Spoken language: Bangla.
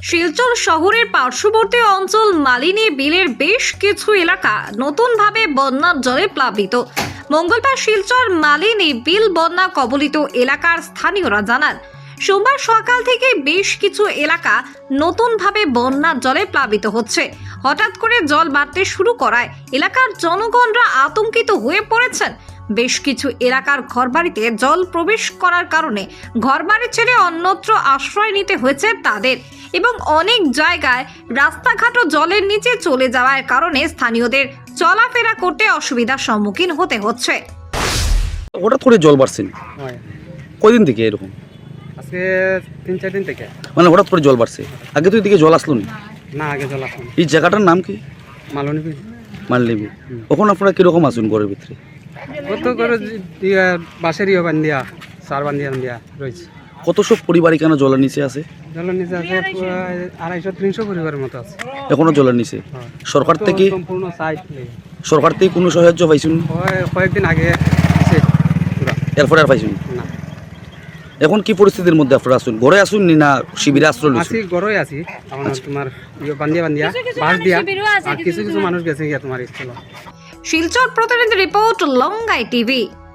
শিলচর শহরের পার্শ্ববর্তী অঞ্চল মালিনী বিলের বেশ কিছু এলাকা নতুনভাবে বন্যার জলে প্লাবিত। মঙ্গলবার শিলচর মালিনী বিল বন্যা কবলিত এলাকার স্থানীয়রা জানান, সোমবার সকাল থেকে বেশ কিছু এলাকা নতুনভাবে বন্যার জলে প্লাবিত হচ্ছে। হঠাৎ করে জল বাড়তে শুরু করায় এলাকার জনগণরা আতঙ্কিত হয়ে পড়েছেন। বেশ কিছু এলাকার ঘরবাড়িতে জল প্রবেশ করার কারণে ঘরবাড়ি ছেড়ে অন্যত্র আশ্রয় নিতে হয়েছে তাদের, এবং অনেক জায়গায় রাস্তাঘাটও জলের নিচে চলে যাওয়ার কারণে স্থানীয়দের চলাফেরা করতে অসুবিধার সম্মুখীন হতে হচ্ছে। হঠাৎ করে জল বাড়ছে কয়দিন থেকে এরকম? আজকে 3-4 দিন থেকে। মানে হঠাৎ করে জল বাড়ছে, আগে তো এদিকে জল আসলো না, আগে জল আসলো। এই জায়গাটার নাম কি? মালনী বিল। মালনিবি। ওখানে আপনারা কিরকম আসুন ঘরের ভিতরে? কত করে বাঁশের বান্ধিয়া, সার বান্ধিয়া রয়েছে। কত সব পরিবার এখানে জলের নিচে আছে? জলের নিচে আছে 250-300 পরিবারের মতো আছে। এখনো জলের নিচে। সরকার থেকে সম্পূর্ণ সাইড কোনো সাহায্য পাইছুন? কয়েকদিন আগে আছে পুরা। এরপরে আর পাইছুন না। এখন কি পরিস্থিতির মধ্যে আপনারা আসুন? ঘরে আসুন না শিবিরে আশ্রয় আছি, নিচ্ছেন? গড়ই আছি। আমার তোমার বান্ধিয়া বাঁশ দিয়া, আর কিছু মানুষ গেছে গিয়া তোমার স্কুল। শিলচর প্রতিনিধি রিপোর্ট, লঙ্গাই টিভি।